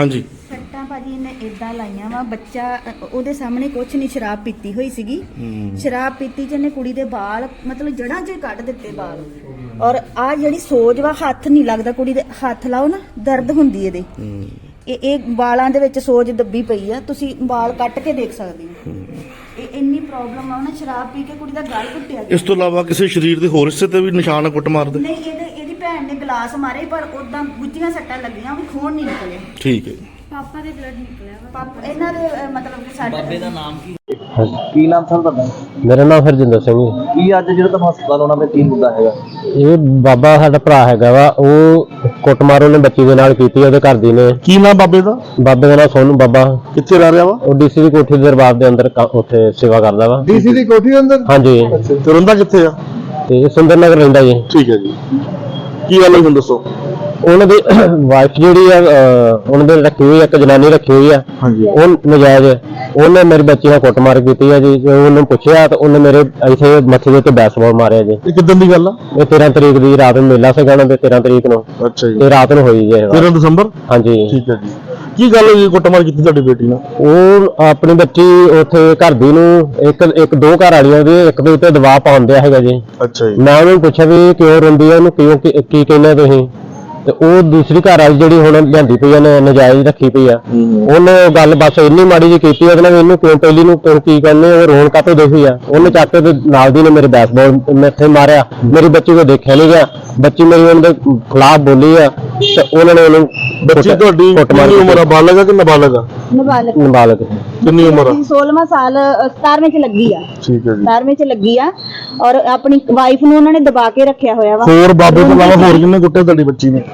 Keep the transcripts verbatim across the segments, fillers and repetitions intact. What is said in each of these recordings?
हाँ जी ਸੱਟਾਂ ਭਾਜੀ ਇਹਨੇ ਇਦਾਂ ਲਾਈਆਂ ਵਾ ਬੱਚਾ ਅ, ਉਹਦੇ ਸਾਹਮਣੇ ਕੁਛ ਨਹੀਂ, ਸ਼ਰਾਬ ਪੀਤੀ ਹੋਈ ਸੀਗੀ। ਸ਼ਰਾਬ ਪੀਤੀ ਚ ਇਹਨੇ ਕੁੜੀ ਦੇ ਵਾਲ ਮਤਲਬ ਜੜਾਂ ਚ ਹੀ ਕੱਢ ਦਿੱਤੇ ਵਾਲ। ਔਰ ਆ ਜਿਹੜੀ ਸੋਜ ਵਾ, ਹੱਥ ਨਹੀਂ ਲੱਗਦਾ ਕੁੜੀ ਦੇ, ਹੱਥ ਲਾਓ ਨਾ ਦਰਦ ਹੁੰਦੀ ਇਹਦੇ। ਇਹ ਇਹ ਵਾਲਾਂ ਦੇ ਵਿੱਚ ਸੋਜ ਦੱਬੀ ਪਈ ਆ, ਤੁਸੀਂ ਵਾਲ ਕੱਟ ਕੇ ਦੇਖ ਸਕਦੇ ਹੋ। ਇਹ ਇੰਨੀ ਪ੍ਰੋਬਲਮ ਆ ਨਾ, ਸ਼ਰਾਬ ਪੀ ਕੇ ਕੁੜੀ ਦਾ ਗਲ ਘੁੱਟਿਆ। ਇਸ ਤੋਂ ਇਲਾਵਾ ਕਿਸੇ ਸਰੀਰ ਦੇ ਹੋਰ ਹਿੱਸੇ ਤੇ ਵੀ ਨਿਸ਼ਾਨ ਕੁੱਟ ਮਾਰਦੇ? ਨਹੀਂ, ਇਹਦੇ ਇਹਦੀ ਭੈਣ ਨੇ ਗਲਾਸ ਮਾਰੇ ਪਰ ਉਦਾਂ ਗੁੱਝੀਆਂ ਸੱਟਾਂ ਲੱਗੀਆਂ, ਵੀ ਖੂਨ ਨਹੀਂ ਨਿਕਲਿਆ। ਠੀਕ ਹੈ। ਪਾਪਾ ਦੇ ਬਲੱਡ ਨਿਕਲਿਆ ਵਾ। ਪਾਪਾ ਇਹਨਾਂ ਦੇ ਅ, ਮਤਲਬ ਕਿ ਸਾਡੇ ਬਾਬੇ ਦਾ ਨਾਮ ਕੀ ਕੀ ਨਾਮ ਸਰ ਤੁਹਾਡਾ? ਮੇਰਾ ਨਾਮ ਹਰਜਿੰਦਰ ਸਿੰਘ ਜੀ। ਕੀ ਅੱਜ ਜਿਹੜਾ ਤੁਹਾਨੂੰ ਹਸਪਤਾਲ ਆਉਣਾ ਪਿਆ ਕੀ ਮੁੱਦਾ ਹੈਗਾ? ਇਹ ਬਾਬਾ ਸਾਡਾ ਭਰਾ ਹੈਗਾ ਵਾ, ਉਹ ਕੁੱਟਮਾਰ ਉਹਨੇ ਬੱਚੀ ਦੇ ਨਾਲ ਕੀਤੀ, ਉਹਦੇ ਘਰ ਦੀ ਨੇ। ਕੀ ਨਾਮ ਬਾਬੇ ਦਾ? ਬਾਬੇ ਦਾ ਨਾਮ ਸੋਨੂ ਬਾਬਾ। ਕਿੱਥੇ ਰਹਿ ਰਿਹਾ ਵਾ? ਉਹ ਡੀਸੀ ਦੀ ਕੋਠੀ ਦੇ ਦਰਬਾਰ ਦੇ ਅੰਦਰ ਕ- ਉੱਥੇ ਸੇਵਾ ਕਰਦਾ ਵਾ। ਡੀਸੀ ਦੀ ਕੋਠੀ ਦੇ ਅੰਦਰ? ਹਾਂਜੀ। ਤੇ ਰਹਿੰਦਾ ਕਿੱਥੇ ਆ? ਤੇ ਸੁੰਦਰ ਨਗਰ ਰਹਿੰਦਾ ਜੀ। ਠੀਕ ਹੈ ਜੀ। ਕੀ ਗੱਲ ਹੋਈ ਹੁਣ ਦੱਸੋ। ਉਹਨਾਂ ਦੀ ਵਾਈਫ ਜਿਹੜੀ ਆ, ਅਹ, ਉਹਨਾਂ ਦੇ ਰੱਖੀ ਹੋਈ ਆ, ਇੱਕ ਜਨਾਨੀ ਰੱਖੀ ਹੋਈ ਆ। ਹਾਂਜੀ। ਉਹ ਨਜਾਇਜ਼ ਉਹਨੇ ਮੇਰੀ ਬੱਚੀ ਨਾਲ ਕੁੱਟਮਾਰ ਕੀਤੀ ਆ ਜੀ। ਜੇ ਉਹਨੂੰ ਪੁੱਛਿਆ ਤਾਂ ਉਹਨੇ ਮੇਰੇ ਇੱਥੇ ਮੱਥੇ ਦੇ ਉੱਤੇ ਬੈਸਬਾਲ ਮਾਰਿਆ ਜੀ। ਇਹ ਕਿਦਾਂ ਦੀ ਗੱਲ ਆ? ਇਹ ਤੇਰਾਂ ਤਰੀਕ ਦੀ ਰਾਤ ਨੂੰ ਮੇਲਾ ਸੀਗਾ ਨਾ, ਤੇਰਾਂ ਤਰੀਕ ਨੂੰ। ਅੱਛਾ ਜੀ। ਤੇ ਰਾਤ ਨੂੰ ਹੋਈ ਜੀ ਇਹ ਤੇਰਾਂ ਦਸੰਬਰ? ਹਾਂਜੀ। ਠੀਕ ਹੈ ਜੀ। ਕੀ ਗੱਲ ਹੋਈ ਕੁੱਟਮਾਰ ਕੀਤੀ ਤੁਹਾਡੀ ਬੇਟੀ ਨਾਲ? ਉਹ ਆਪਣੀ ਬੱਚੀ ਉੱਥੇ ਘਰ ਦੀ ਨੂੰ ਇੱਕ ਇੱਕ ਦੋ ਘਰ ਵਾਲੀਆਂ ਦੇ ਇੱਕ ਦੇ ਉੱਤੇ ਦਬਾਅ ਪਾਉਂਦਿਆ ਹੈਗਾ ਜੀ। ਅੱਛਾ ਜੀ। ਮੈਂ ਉਹਨੂੰ ਪੁੱਛਿਆ ਵੀ ਕਿਉਂ ਰੋਂਦੀ ਆ, ਉਹਨੂੰ ਕਿਉਂ ਕੀ ਕੀ ਕਹਿੰਦੇ ਤੁਸੀਂ? ਤੇ ਉਹ ਦੂਸਰੀ ਘਰ ਵਾਲੀ ਜਿਹੜੀ ਹੁਣ ਲਿਆਂਦੀ ਪਈ ਆ ਨੇ, ਨਜਾਇਜ਼ ਰੱਖੀ ਪਈ ਆ, ਉਹਨੇ ਗੱਲ ਬਸ ਇੰਨੀ ਮਾੜੀ ਜਿਹੀ ਕੀਤੀ ਉਹਦੇ ਨਾਲ, ਇਹਨੂੰ ਕਿਉਂ ਪਹਿਲੀ ਨੂੰ ਕਿਉਂ ਕੀ ਕਹਿੰਦੇ, ਉਹ ਰੋਣ ਕਾਤੋਂ ਦੇਖੀ ਆ। ਉਹਨੇ ਚੱਕ ਕੇ ਤੇ ਨਾਲ ਦੀ ਨੇ ਮੇਰੇ ਬੈਸਬਾਲ ਮੈਥੇ ਮਾਰਿਆ। ਮੇਰੀ ਬੱਚੀ ਕੋ ਦੇਖਿਆ ਨਹੀਂ ਗਿਆ, ਬੱਚੀ ਮੇਰੀ ਉਹਦੇ ਖਿਲਾਫ ਬੋਲੀ ਆ ਤੇ ਉਹਨਾਂ ਨੇ ਉਹਨੂੰ। ਬੱਚੀ ਤੁਹਾਡੀ ਕਿੰਨੀ ਉਮਰ ਆ? ਬਾਲਗ ਆ ਕਿ ਨਾਬਾਲਗ ਆ? ਨਾਬਾਲਗ। ਨਾਬਾਲਗ। ਕਿੰਨੀ ਉਮਰ ਆ? ਸੋਲ੍ਹਵਾਂ ਸਾਲ ਅ, ਸਤਾਰਵੇਂ ਚ ਲੱਗੀ ਆ। ਠੀਕ ਹੈ ਜੀ। ਸਤਾਰਵੇਂ ਚ ਲੱਗੀ ਆ। ਔਰ ਆਪਣੀ ਵਾਈਫ ਨੂੰ ਉਹਨਾਂ ਨੇ ਦਬਾ ਕੇ ਰੱਖਿਆ ਹੋਇਆ ਵਾ। ਹੋਰ ਬਾਬੇ ਤੋਂ ਇਲਾਵਾ ਹੋਰ ਕਿੰਨੇ ਕੁੱਟੇ ਤੁਹਾਡੀ ਬੱਚੀ ਨੇ?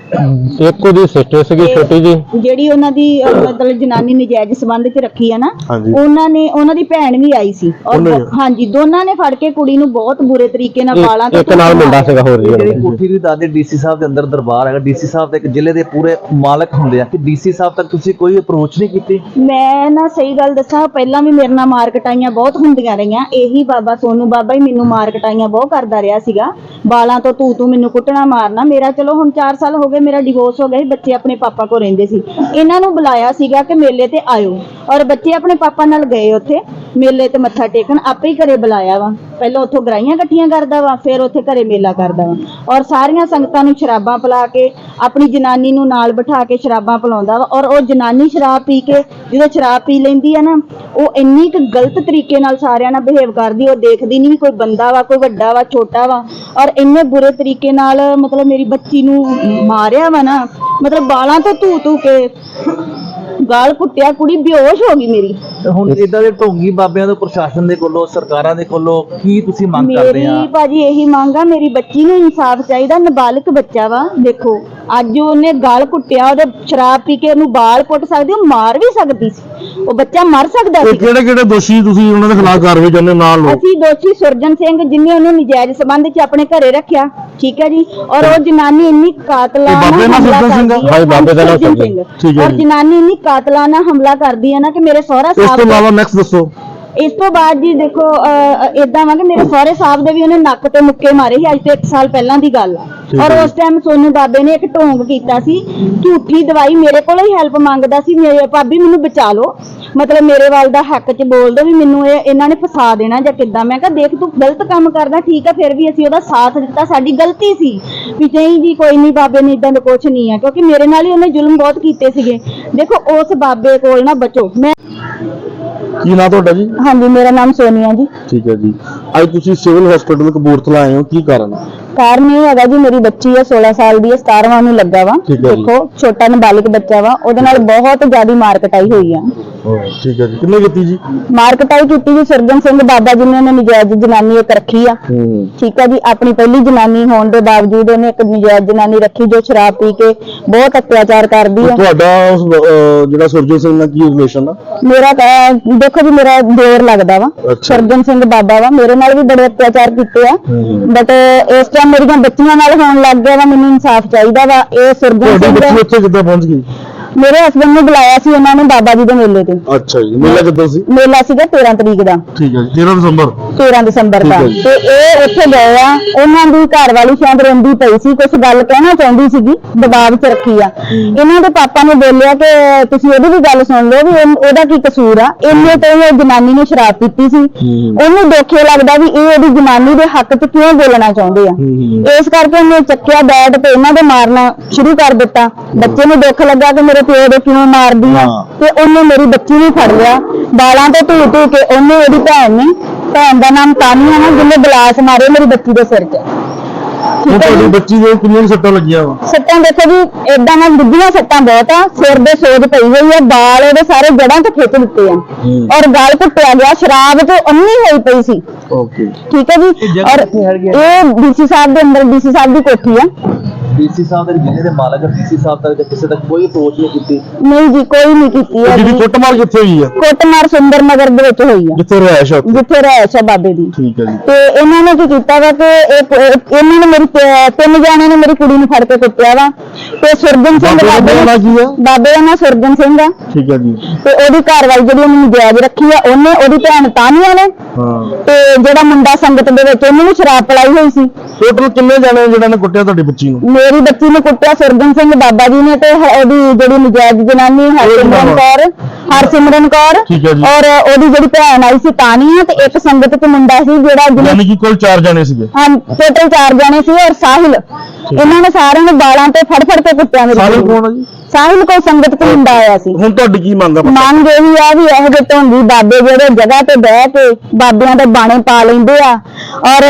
ਇੱਕ ਉਹਦੀ ਸਿਸਟਰ ਸੀਗੀ ਛੋਟੀ ਜੀ, ਜਿਹੜੀ ਉਹਨਾਂ ਦੀ ਅ, ਮਤਲਬ ਜਨਾਨੀ ਨਜਾਇਜ਼ ਸੰਬੰਧ ਚ ਰੱਖੀ ਆ ਨਾ, ਹਾਂਜੀ। ਉਹਨਾਂ ਨੇ ਉਹਨਾਂ ਦੀ ਭੈਣ ਵੀ ਆਈ ਸੀ। ਔਰ ਉਹਨੇ? ਹਾਂਜੀ, ਦੋਨਾਂ ਨੇ ਫੜ ਕੇ ਕੁੜੀ ਨੂੰ ਬਹੁਤ ਬੁਰੇ ਤਰੀਕੇ ਨਾਲ ਵਾਲਾਂ ਇੱਕ ਨਾਲ ਮੁੰਡਾ ਸੀਗਾ ਹੋਰ ਜੀ। ਜਿਹੜੀ ਕੋਠੀ ਦੀ ਦਾਦੇ ਡੀਸੀ ਸਾਹਿਬ ਦੇ ਅੰਦਰ ਦਰਬਾਰ ਹੈਗਾ, ਡੀਸੀ ਸਾਹਿਬ ਤੇ ਇੱਕ ਜ਼ਿਲ੍ਹੇ ਦੇ ਪੂਰੇ ਮਾਲਕ ਹੁੰਦੇ ਆ, ਕਿ ਡੀਸੀ ਸਾਹਿਬ ਤੱਕ ਤੁਸੀਂ ਕੋਈ ਅਪਰੋਚ ਨਹੀਂ ਕੀਤੀ? ਮੈਂ ਨਾ ਸਹੀ ਗੱਲ ਦੱਸਾਂ, ਪਹਿਲਾਂ ਵੀ ਮੇਰੇ ਨਾਲ ਮਾਰ ਕਟਾਈਆਂ ਬਹੁਤ ਹੁੰਦੀਆਂ ਰਹੀਆਂ। ਇਹੀ ਬਾਬਾ ਸੋਨੂ ਬਾਬਾ ਹੀ ਮੈਨੂੰ ਮਾਰ ਕਟਾਈਆਂ ਬਹੁਤ ਕਰਦਾ ਰਿਹਾ ਸੀਗਾ। ਬਾਲਾਂ ਤੋਂ ਤੂੰ ਤੂੰ ਮੈਨੂੰ ਕੁੱਟਣਾ ਮਾਰਨਾ। ਮੇਰਾ ਚਲੋ ਹੁਣ ਚਾਰ ਸਾਲ ਹੋ ਗਏ, ਮੇਰਾ ਡਿਵੋਰਸ ਹੋ ਗਿਆ ਸੀ, ਬੱਚੇ ਆਪਣੇ ਪਾਪਾ ਕੋਲ ਰਹਿੰਦੇ ਸੀ। ਇਹਨਾਂ ਨੂੰ ਬੁਲਾਇਆ ਸੀਗਾ ਕਿ ਮੇਲੇ ਤੇ ਆਇਓ, ਔਰ ਬੱਚੇ ਆਪਣੇ ਪਾਪਾ ਨਾਲ ਗਏ ਉੱਥੇ ਮੇਲੇ ਤੇ ਮੱਥਾ ਟੇਕਣ। ਆਪੇ ਹੀ ਘਰੇ ਬੁਲਾਇਆ ਵਾ। ਪਹਿਲਾਂ ਉੱਥੋਂ ਗਰਾਈਆਂ ਇਕੱਠੀਆਂ ਕਰਦਾ ਵਾ, ਫਿਰ ਉੱਥੇ ਘਰੇ ਮੇਲਾ ਕਰਦਾ ਵਾ। ਔਰ ਸਾਰੀਆਂ ਸੰਗਤਾਂ ਨੂੰ ਸ਼ਰਾਬਾਂ ਪਿਲਾ ਕੇ, ਆਪਣੀ ਜਨਾਨੀ ਨੂੰ ਨਾਲ ਬਿਠਾ ਕੇ ਸ਼ਰਾਬਾਂ ਪਿਲਾਉਂਦਾ ਵਾ। ਔਰ ਉਹ ਜਨਾਨੀ ਸ਼ਰਾਬ ਪੀ ਕੇ, ਜਦੋਂ ਸ਼ਰਾਬ ਪੀ ਲੈਂਦੀ ਆ ਨਾ, ਉਹ ਇੰਨੀ ਕੁ ਗਲਤ ਤਰੀਕੇ ਨਾਲ ਸਾਰਿਆਂ ਨਾਲ ਬਿਹੇਵ ਕਰਦੀ। ਉਹ ਦੇਖਦੀ ਨਹੀਂ ਵੀ ਕੋਈ ਬੰਦਾ ਵਾ, ਕੋਈ ਵੱਡਾ ਵਾ, ਛੋਟਾ ਵਾ। ਔਰ ਇੰਨੇ ਬੁਰੇ ਤਰੀਕੇ ਨਾਲ ਮਤਲਬ ਮੇਰੀ ਬੱਚੀ ਨੂੰ ਮਾਰਿਆ ਵਾ ਨਾ, ਮਤਲਬ ਬਾਲਾਂ ਤੋਂ ਧੂ ਧੂ ਕੇ ਗਾਲ ਕੁੱਟਿਆ। ਕੁੜੀ ਬੇਹੋਸ਼ ਹੋ ਗਈ ਮੇਰੀ। ਹੁਣ ਇਦਾਂ ਦੇ ਢੋਂਗੀ ਬਾਬਿਆਂ ਤੋਂ, ਪ੍ਰਸ਼ਾਸਨ ਦੇ ਕੋਲੋਂ, ਸਰਕਾਰਾਂ ਦੇ ਕੋਲੋਂ ਕੀ ਤੁਸੀਂ ਮੰਗ ਕਰਦੇ ਆ? ਮੇਰੀ ਭਾਜੀ ਇਹੀ ਮੰਗ ਆ, ਮੇਰੀ ਬੱਚੀ ਨੂੰ ਇਨਸਾਫ ਚਾਹੀਦਾ। ਨਾਬਾਲਗ ਬੱਚਾ ਵਾ। ਦੇਖੋ ਅੱਜ ਉਹਨੇ ਗਾਲ ਕੁੱਟਿਆ, ਉਹਦੇ ਸ਼ਰਾਬ ਪੀ ਕੇ ਉਹਨੂੰ ਬਾਲ ਪੁੱਟ ਸਕਦੀ, ਉਹ ਮਾਰ ਵੀ ਸਕਦੀ ਸੀ। ਉਹ ਬੱਚਾ ਮਰ ਸਕਦਾ ਸੀ। ਕਿਹੜੇ ਕਿਹੜੇ ਦੋਸ਼ੀ ਤੁਸੀਂ ਉਹਨਾਂ ਦੇ ਖਿਲਾਫ ਕਾਰਵਾਈ ਚਾਹੁੰਦੇ ਹੋ? ਨਾਲ ਲੋ ਅਸੀਂ ਦੋਸ਼ੀ ਸੁਰਜਨ ਸਿੰਘ, ਜਿਹਨੇ ਉਹਨੂੰ ਨਜਾਇਜ਼ ਸੰਬੰਧ ਚ ਆਪਣੇ ਘਰੇ ਰੱਖਿਆ, ਠੀਕ ਹੈ ਜੀ। ਔਰ ਉਹ ਜਨਾਨੀ ਇੰਨੀ ਕਾਤਲਾਨਾ ਬਾਬੇ ਨਾਲ ਹਮਲਾ ਸੁਰਜਨ ਸਿੰਘ ਆ? ਕਰਦੀ ਹਾਂਜੀ, ਬਾਬੇ ਦਾ ਨਾਮ ਸੁਰਜਨ ਸੁਰਜਨ। ਠੀਕ ਹੈ ਔਰ ਜੀ। ਜਨਾਨੀ ਇੰਨੀ ਕਾਤਲਾਨਾ ਹਮਲਾ ਕਰਦੀ ਹੈ ਨਾ ਕਿ ਮੇਰੇ ਸਹੁਰਾ ਇਸ ਤੋਂ ਸਾਹਿਬ ਇਲਾਵਾ ਨੈਕਸਟ ਦੱਸੋ। ਇਸ ਤੋਂ ਬਾਅਦ ਜੀ ਦੇਖੋ ਇਦਾਂ ਵਾ ਕਿ ਮੇਰੇ ਸਹੁਰੇ ਸਾਹਿਬ ਦੇ ਵੀ ਉਹਨੇ ਨੱਕ ਤੇ ਮੁੱਕੇ ਮਾਰੇ ਸੀ। ਅੱਜ ਤੋਂ ਇੱਕ ਸਾਲ ਪਹਿਲਾਂ ਦੀ ਗੱਲ ਆ। ਔਰ ਉਸ ਟਾਈਮ ਸੋਨੂ ਬਾਬੇ ਨੇ ਇੱਕ ਢੋਂਗ ਕੀਤਾ ਸੀ, ਝੂਠੀ ਦਵਾਈ ਮੇਰੇ ਕੋਲੋਂ ਹੀ ਹੈਲਪ ਮੰਗਦਾ ਸੀ। ਮੇਰੇ ਭਾਬੀ ਮੈਨੂੰ ਬਚਾ ਲਓ, ਮਤਲਬ ਮੇਰੇ ਵੱਲ ਦਾ ਹੱਕ ਚ ਬੋਲ ਦੋ ਵੀ ਮੈਨੂੰ ਇਹ ਇਹਨਾਂ ਨੇ ਫਸਾ ਦੇਣਾ ਜਾਂ ਕਿੱਦਾਂ। ਮੈਂ ਕਿਹਾ ਦੇਖ ਤੂੰ ਗਲਤ ਕੰਮ ਕਰਦਾ, ਠੀਕ ਆ, ਫਿਰ ਵੀ ਅਸੀਂ ਉਹਦਾ ਸਾਥ ਦਿੱਤਾ, ਸਾਡੀ ਗਲਤੀ ਸੀ। ਵੀ ਨਹੀਂ ਜੀ ਕੋਈ ਨਹੀਂ, ਬਾਬੇ ਨੇ ਇਦਾਂ ਦਾ ਕੁਛ ਨਹੀਂ ਆ, ਕਿਉਂਕਿ ਮੇਰੇ ਨਾਲ ਹੀ ਉਹਨੇ ਜ਼ੁਲਮ ਬਹੁਤ ਕੀਤੇ ਸੀਗੇ। ਦੇਖੋ ਉਸ ਬਾਬੇ ਕੋਲ ਨਾ ਬਚੋ। ਮੈਂ ਕੀ ਨਾਮ ਤੁਹਾਡਾ ਜੀ? ਹਾਂਜੀ, ਮੇਰਾ ਨਾਮ ਸੋਨੀਆ ਜੀ। ਠੀਕ ਹੈ ਜੀ। ਅੱਜ ਤੁਸੀਂ ਸਿਵਲ ਹਸਪੀਟਲ ਕਪੂਰਥਲਾ ਆਏ ਹੋ, ਕੀ ਕਾਰਨ ਹੈ? ਕਾਰਨ ਇਹ ਹੈਗਾ ਜੀ, ਮੇਰੀ ਬੱਚੀ ਹੈ ਸੋਲਾਂ ਸਾਲ ਦੀ ਹੈ, ਸਤਾਰਵਾਂ ਨੂੰ ਲੱਗਾ ਵਾ। ਠੀਕ ਹੈ ਜੀ। ਦੇਖੋ ਛੋਟਾ ਨਾਬਾਲਿਗ ਬੱਚਾ ਵਾ, ਉਹਦੇ ਨਾਲ ਬਹੁਤ ਜ਼ਿਆਦਾ ਮਾਰ ਕਟਾਈ ਹੋਈ ਆ। ਠੀਕ ਹੈ ਜੀ। ਕਿੰਨੇ ਕੀਤੀ ਜੀ? ਮਾਰ ਕਟਾਈ ਕੀਤੀ ਜੀ ਸੁਰਜਨ ਸਿੰਘ ਬਾਬਾ ਜੀ ਨੇ। ਉਹਨੇ ਨਜਾਇਜ਼ ਜਨਾਨੀ ਇੱਕ ਰੱਖੀ ਆ, ਠੀਕ ਹੈ ਜੀ। ਆਪਣੀ ਪਹਿਲੀ ਜਨਾਨੀ ਹੋਣ ਦੇ ਬਾਵਜੂਦ ਉਹਨੇ ਇੱਕ ਨਜਾਇਜ਼ ਜਨਾਨੀ ਰੱਖੀ ਜੋ ਸ਼ਰਾਬ ਪੀ ਕੇ ਬਹੁਤ ਅਤਿਆਚਾਰ ਕਰਦੀ ਆ। ਤੁਹਾਡਾ ਅਹ, ਜਿਹੜਾ ਸੁਰਜਨ ਸਿੰਘ ਨਾਲ ਕੀ ਰਿਲੇਸ਼ਨ ਆ? ਮੇਰਾ ਤਾਂ ਦੇਖੋ ਜੀ, ਮੇਰਾ ਦੇਰ ਲੱਗਦਾ ਵਾ। ਅੱਛਾ। ਸੁਰਜਨ ਸਿੰਘ ਬਾਬਾ ਵਾ, ਮੇਰੇ ਨਾਲ ਵੀ ਬੜੇ ਅਤਿਆਚਾਰ ਕੀਤੇ ਆ। ਬਟ ਇਸ ਟਾਈਮ ਮੇਰੀਆਂ ਬੱਚੀਆਂ ਨਾਲ ਹੋਣ ਲੱਗ ਗਿਆ ਵਾ। ਮੈਨੂੰ ਇਨਸਾਫ ਚਾਹੀਦਾ ਵਾ। ਇਹ ਸੁਰਜਨ ਤੁਹਾਡੀ ਬੱਚੀ ਸਿੰਘ ਉੱਥੇ ਕਿੱਦਾਂ ਪਹੁੰਚ ਗਈ? ਮੇਰੇ ਹਸਬੰਦ ਨੂੰ ਬੁਲਾਇਆ ਸੀ ਉਹਨਾਂ ਨੇ ਬਾਬਾ ਜੀ ਦੇ ਮੇਲੇ ਤੇ। ਅੱਛਾ ਜੀ। ਮੇਲਾ ਕਿੱਦਾਂ ਸੀ? ਮੇਲਾ ਸੀਗਾ ਤੇਰਾਂ ਤਰੀਕ ਦਾ। ਠੀਕ ਹੈ ਜੀ। ਤੇਰਾਂ ਦਸੰਬਰ? ਤੇਰਾਂ ਦਸੰਬਰ ਦਾ। ਠੀਕ ਹੈ ਜੀ। ਤੇ ਇਹ ਉੱਥੇ ਗਏ ਆ, ਉਹਨਾਂ ਦੀ ਘਰ ਵਾਲੀ ਸ਼ਾਇਦ ਰੋਂਦੀ ਪਈ ਸੀ, ਕੁਝ ਗੱਲ ਕਹਿਣਾ ਚਾਹੁੰਦੀ ਸੀਗੀ, ਦਬਾਅ 'ਚ ਰੱਖੀ ਆ। ਇਹਨਾਂ ਦੇ ਪਾਪਾ ਨੇ ਬੋਲਿਆ ਕਿ ਤੁਸੀਂ ਉਹਦੀ ਵੀ ਗੱਲ ਸੁਣ ਲਓ ਵੀ ਇਹ- ਉਹਦਾ ਕੀ ਕਸੂਰ ਆ। ਇੰਨੇ ਤੋਂ ਇਹ ਜਨਾਨੀ ਨੇ ਸ਼ਰਾਬ ਪੀਤੀ ਸੀ, ਉਹਨੂੰ ਦੇਖੇ ਲੱਗਦਾ ਵੀ ਇਹ ਉਹਦੀ ਜਨਾਨੀ ਦੇ ਹੱਕ 'ਚ ਕਿਉਂ ਬੋਲਣਾ ਚਾਹੁੰਦੇ ਆ। ਇਸ ਕਰਕੇ ਉਹਨੇ ਚੱਕਿਆ ਬੈਟ ਤੇ ਇਹਨਾਂ ਦੇ ਮਾਰਨਾ ਸ਼ੁਰੂ ਕਰ ਦਿੱਤਾ। ਬੱਚੇ ਨੂੰ ਦੁੱਖ ਲੱਗਾ ਕਿ ਮੇਰੇ ਪਿਓ ਦੇ ਕਿਉਂ ਮਾਰਦੀ ਆ, ਤੇ ਉਹਨੇ ਮੇਰੀ ਬੱਚੀ ਨੂੰ ਫੜ ਲਿਆ, ਬਾਲਾਂ ਤੋਂ ਧੂ ਧੂ ਕੇ। ਉਹਨੇ ਉਹਦੀ ਭੈਣ ਨੇ, ਭੈਣ ਦਾ ਨਾਮ ਤਾਨੀਆ ਨਾ, ਜਿਹਨੇ ਗਲਾਸ ਮਾਰੇ ਮੇਰੀ ਬੱਚੀ ਦੇ ਸਿਰ 'ਚ। ਹੁਣ ਤੁਹਾਡੀ ਬੱਚੀ ਦੇ ਕਿੰਨੀਆਂ ਸੱਟਾਂ ਲੱਗੀਆਂ ਵਾ? ਸੱਟਾਂ ਦੇਖੋ ਜੀ, ਏਦਾਂ ਨਾਲ ਡੁੱਬੀਆਂ ਸੱਟਾਂ ਬਹੁਤ ਆ, ਸਿਰ ਦੇ ਸੋਜ ਪਈ ਹੋਈ ਆ, ਬਾਲ ਉਹਦੇ ਸਾਰੇ ਜੜਾਂ ਤੋਂ ਖਿੱਚ ਦਿੱਤੇ ਆ, ਔਰ ਗਲ ਘੁੱਟਿਆ ਗਿਆ, ਸ਼ਰਾਬ ਤੋਂ ਅੰਨੀ ਹੋਈ ਪਈ ਸੀ। ਓਕੇ, ਠੀਕ ਹੈ ਜੀ। ਔਰ ਇਹ ਡੀਸੀ ਸਾਹਿਬ ਦੇ ਅੰਦਰ ਡੀਸੀ ਸਾਹਿਬ ਦੀ ਕੋਠੀ ਆ। ਡੀਸੀ ਸਾਹਿਬ ਦੇ ਜ਼ਿਲ੍ਹੇ ਦੇ ਮਾਲਕ ਡੀਸੀ ਸਾਹਿਬ ਤੱਕ ਜਾਂ ਕਿਸੇ ਤੱਕ ਕੋਈ ਅਪਰੋਚ ਨਹੀਂ ਕੀਤੀ? ਨਹੀਂ ਜੀ, ਕੋਈ ਨਹੀਂ ਕੀਤੀ ਹੈ। ਜਿਹਦੀ ਕੁੱਟਮਾਰ ਕਿੱਥੇ ਹੋਈ ਆ? ਕੋਟਮਾਰ ਸੁੰਦਰ ਨਗਰ ਦੇ ਵਿੱਚ ਹੋਈ ਆ, ਜਿੱਥੇ ਰਹਿائش ਆ ਉੱਥੇ? ਜਿੱਥੇ ਰਹਿائش ਆ ਬਾਬੇ ਦੀ। ਠੀਕ ਹੈ ਜੀ। ਤੇ ਇਹਨਾਂ ਨੇ ਕੀ ਕੀਤਾ ਵਾ ਕਿ ਇਹ- ਇਹ- ਇਹਨਾਂ ਨੇ ਮੇਰੀ ਤੇ- ਤਿੰਨ ਜਾਣਿਆਂ ਨੇ ਮੇਰੀ ਕੁੜੀ ਨੂੰ ਫੜ ਕੇ ਕੁੱਟਿਆ ਵਾ। ਤੇ ਸੁਰਜਨ ਸਿੰਘ ਬਾਬੇ ਦਾ ਬਾਬੇ ਨਾਂ ਕੀ ਆ? ਬਾਬੇ ਦਾ ਨਾਂ ਸੁਰਜਨ ਸਿੰਘ ਆ। ਠੀਕ ਹੈ ਜੀ। ਤੇ ਉਹਦੀ ਘਰਵਾਲੀ ਜਿਹੜੀ ਉਹਨੂੰ ਜਾਇਜ਼ ਰੱਖੀ ਆ, ਉਹਨੇ, ਉਹਦੀ ਭੈਣ ਤਾਨੀਆ ਨੇ, ਹਾਂ, ਤੇ ਜਿਹੜਾ ਮੁੰਡਾ ਸੰਗਤ ਦੇ ਵਿੱਚ ਉਹਨੂੰ ਵੀ ਸ਼ਰਾਬ ਪਿਲਾਈ ਹੋਈ ਸੀ। ਟੋਟਲ ਕਿੰਨੇ ਜਾਣੇ ਜਿਹਨਾਂ ਨੇ ਕੁੱਟਿਆ ਤੁਹਾਡੀ ਬੱਚੀ ਨੂੰ? ਮੇਰੀ ਬੱਚੀ ਨੂੰ ਕੁੱਟਿਆ ਸੁਰਜਨ ਸਿੰਘ ਬਾਬਾ ਜੀ ਨੇ, ਤੇ ਹ- ਉਹਦੀ ਜਿਹੜੀ ਨਜਾਇਜ਼ ਜਨਾਨੀ ਹਰਸਿਮਰਨ ਕੌਰ ਹਰਸਿਮਰਨ ਕੌਰ ਠੀਕ ਹੈ ਜੀ। ਔਰ ਉਹਦੀ ਜਿਹੜੀ ਭੈਣ ਆਈ ਸੀ ਤਾਨੀਆ, ਤੇ ਇੱਕ ਸੰਗਤ ਚ ਮੁੰਡਾ ਸੀ ਜਿਹੜਾ ਜਿਹਨੇ, ਯਾਨੀ ਕਿ ਕੁੱਲ ਚਾਰ ਜਾਣੇ ਸੀਗੇ। ਹਾਂ ਟੋਟਲ ਚਾਰ ਜਾਣੇ ਸੀ, ਔਰ ਸਾਹਿਲ। ਇਹਨਾਂ ਨੇ ਸਾਰਿਆਂ ਨੂੰ ਬਾਲਾਂ ਤੇ ਫੜ ਫੜ ਕੇ ਕੁੱਟਿਆ ਮੇਰੀ ਸਾਹਿਲ ਕੁੜੀ ਨੂੰ। ਕੌਣ ਆ ਜੀ? ਸਾਹਿਲ ਕੋਈ ਸੰਗਤ ਚ ਮੁੰਡਾ ਆਇਆ ਸੀ। ਹੁਣ ਤੁਹਾਡੀ ਕੀ ਮੰਗ ਆ? ਮੰਗ ਇਹੀ ਆ ਵੀ ਇਹੋ ਜਿਹੇ ਢੋਂਗੀ ਬਾਬੇ ਜਿਹੜੇ ਜਗ੍ਹਾ ਤੇ ਬਹਿ ਕੇ ਬਾਬਿਆਂ ਦੇ ਬਾਣੇ ਪਾ ਲੈਂਦੇ ਆ, ਔਰ